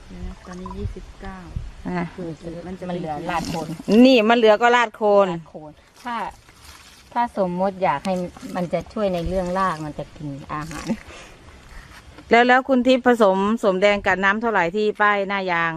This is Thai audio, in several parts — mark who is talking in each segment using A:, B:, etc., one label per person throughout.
A: ตอนนี้29
B: มันเหลือลาดโคน
C: นี่มันเหลือก็ราดโคน
B: ลาดโคนถ้าสมมติอยากให้มันจะช่วยในเรื่องรากมันจะกินอาหาร
C: แล้วคุณทิพย์ผสมสมแดงกับน้ำเท่าไหร่ที่ป้ายหน้ายาง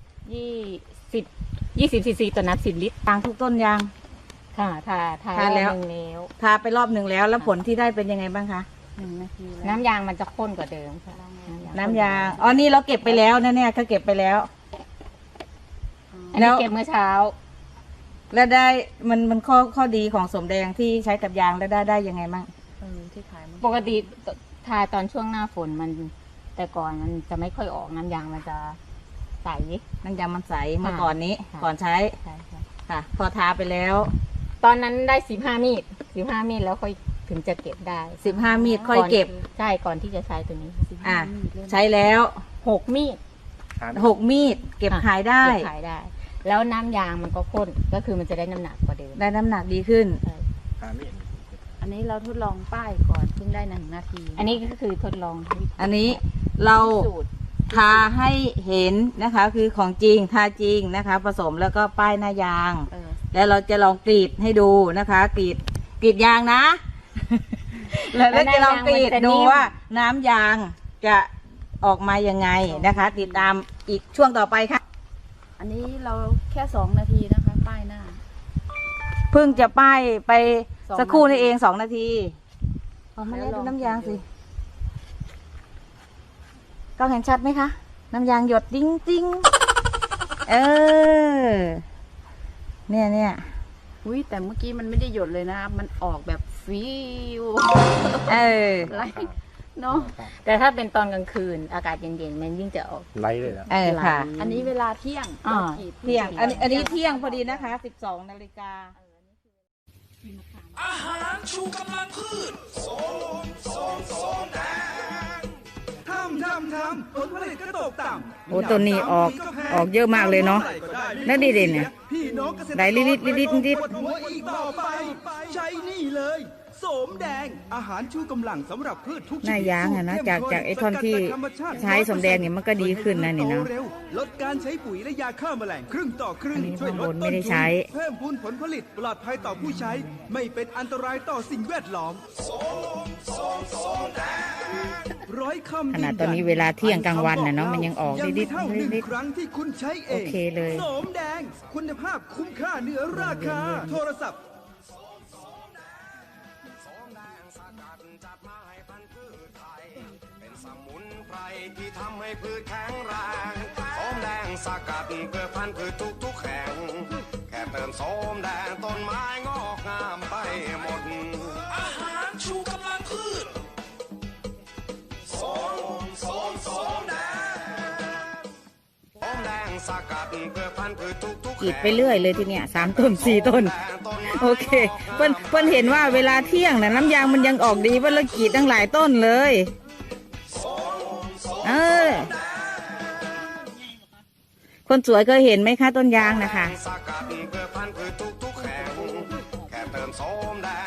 B: 20 ซีซีต่อน้ำ10 ลิตร
C: ตางทุกต้นยาง
B: ค่ะทา
C: ทาแล้ว
B: รอบนึงแล้ว
C: ทาไปรอบหนึ่งแล้วแล้วผลที่ได้เป็นยังไงบ้างคะ
A: 1 นาทีแล้ว
B: น้ำยางมันจะข้นกว่าเดิมค่ะ
C: น้ำยางอ๋อนี่เราเก็บไปแล้วนะเนี่ยเขาเก็บไปแล้ว
B: อัน
C: แล้
B: นี้
C: ว
B: เก็บเมื่อเช้า
C: แล้วได้มันข้อดีของสมแดงที่ใช้กับยางแล้วได้ยังไงบ้าง
A: ที่ขายมัน
B: ปกติทาตอนช่วงหน้าฝนมันแต่ก่อนมันจะไม่ค่อยออกน้ำยางมันจะใส
C: น้ำยางมันใสเมื่อก่อนนี้
B: ค่ะ
C: ก่อนใช้
B: ใช่ค่ะ
C: ค่ะ พอทาไปแล้ว
B: ตอนนั้นได้15 มีดแล้วค่อยถึงจะเก็บได้
C: 15 มีดค่อยเก็บ
B: ใช่ก่อนที่จะใช้ตัวนี้
C: อ่ะใช้แล้ว
B: 6 มีด
C: 6 มีดเก็บขายได้
B: เก็บขายได้ แล้วน้ำยางมันก็ข้นก็คือมันจะได้น้ำหนักกว่าเดิม
C: ได้น้ำหนักดีขึ้น
A: อันนี้เราทดลองป้ายก่อนเพิ่งได้1 นาที
B: อันนี้ก็คือทดลอง
C: อันนี้เรา
B: สูตร
C: ทาให้เห็นนะคะ คือของจริงทาจริงนะคะ ผสมแล้วก็ป้ายหน้ายาง แล้วเราจะลองกรีดให้ดูนะคะ กรีดยางนะ แล้วจะลองกรีดดูว่าน้ำยางจะออกมายังไงนะคะ ติดตามอีกช่วงต่อไปค่ะ
A: อันนี้เราแค่2 นาทีนะคะป้ายหน้า
C: เพิ่งจะป้ายไป
A: 2
C: สักครู่นี่
A: นาที
C: เอง2 นาทีออกมาแล้วดูน้ำยางสิกล้องเห็นชัดไหมคะ น้ำยางหยดจริงๆเออเนี่ย
A: อุ้ยแต่เมื่อกี้มันไม่ได้หยดเลยนะ มันออกแบบฟิว
C: เออ
A: ไรเนาะ
B: แต่ถ้าเป็นตอนกลางคืนอากาศเย็นๆมันยิ่งจะออก
D: ไล่เลยแล้ว
C: เออค่ะ
A: อันนี้เวลาเที่ยง
B: อ่า
A: เรากรีด
C: เที่ยงอันนี้เที่ยงพอดีนะคะ12 นาฬิกา
E: อาหารชูกำลังพืชส้มแดงทำผลผลิตก็ตกต่ำ
C: โอ้ต้นนี้ออกเยอะมากเลยเนาะแล้วดีเด่นเนี่ย
E: พี่น้องเกษตรกร
C: ไหลลิด
E: ปวดหัวอีกต่อไป ใช้นี่เลยโสมแดงอาหารชูกำลังสำหรับพืชทุกชนิด
C: หน้ายางอะนะ
E: สูตรเข้มข้น
C: จากไอ้ท่อนที่
E: สกัดจากธรรมชาติ
C: ใช้สมแดงเนี่ยมันก็ดีขึ้นนะนี่เนาะ
E: โตร็วลดการใช้ปุ๋ยและยาฆ่าแมลงครึ่งต่อครึ่ง
C: อันนี้
E: ช่วยลด
C: ข้างบนไม่
E: ต้น
C: ได้
E: ทุ
C: ใช้
E: นเพิ่มพูนผลผลิตปลอดภัยต่อผู้ใช้ ไม่เป็นอันตรายต่อสิ่งแวดล้อมร้อยคำ
C: ขนาดตอนนี้เวลาเที่ยงกลางวันน่ะเนาะมันยังออก
E: ยัง
C: ดิ
E: ไม่
C: ด
E: เท่าหนึ่ง
C: ดิด
E: ครั้งที่คุณใช้เอง
C: โอเคเลย
E: โสมแดง คุณภาพคุ้มค่าเหนือราคา โทรศัพท์
F: สมุนไพรที่ทำให้พืชแข็งแรงโสมแดงสกัดเพื่อพันธุ์พืชทุกแห่งแค่เติมโสมแดงต้นไม้งอกงามไปหมด
E: อาหารชูกำลังพืชส้มแดง
F: โสมแดงสกัดเพื่อพันธุ์พืชทุก
C: กรีดไปเรื่อยเลยทีเนี้ย3 ต้น 4 ต้น โอเคเพิ่นเห็นว่าเวลาเที่ยงน่ะน้ำยางมันยังออกดีเพิ่นเลยกรีดตั้งหลายต้นเลยคนสวยเคยเห็นไหมคะต้นยางนะคะ
F: สกัดเพื่อพันธุ์พืชทุกแห่งแค่เติมโสมแด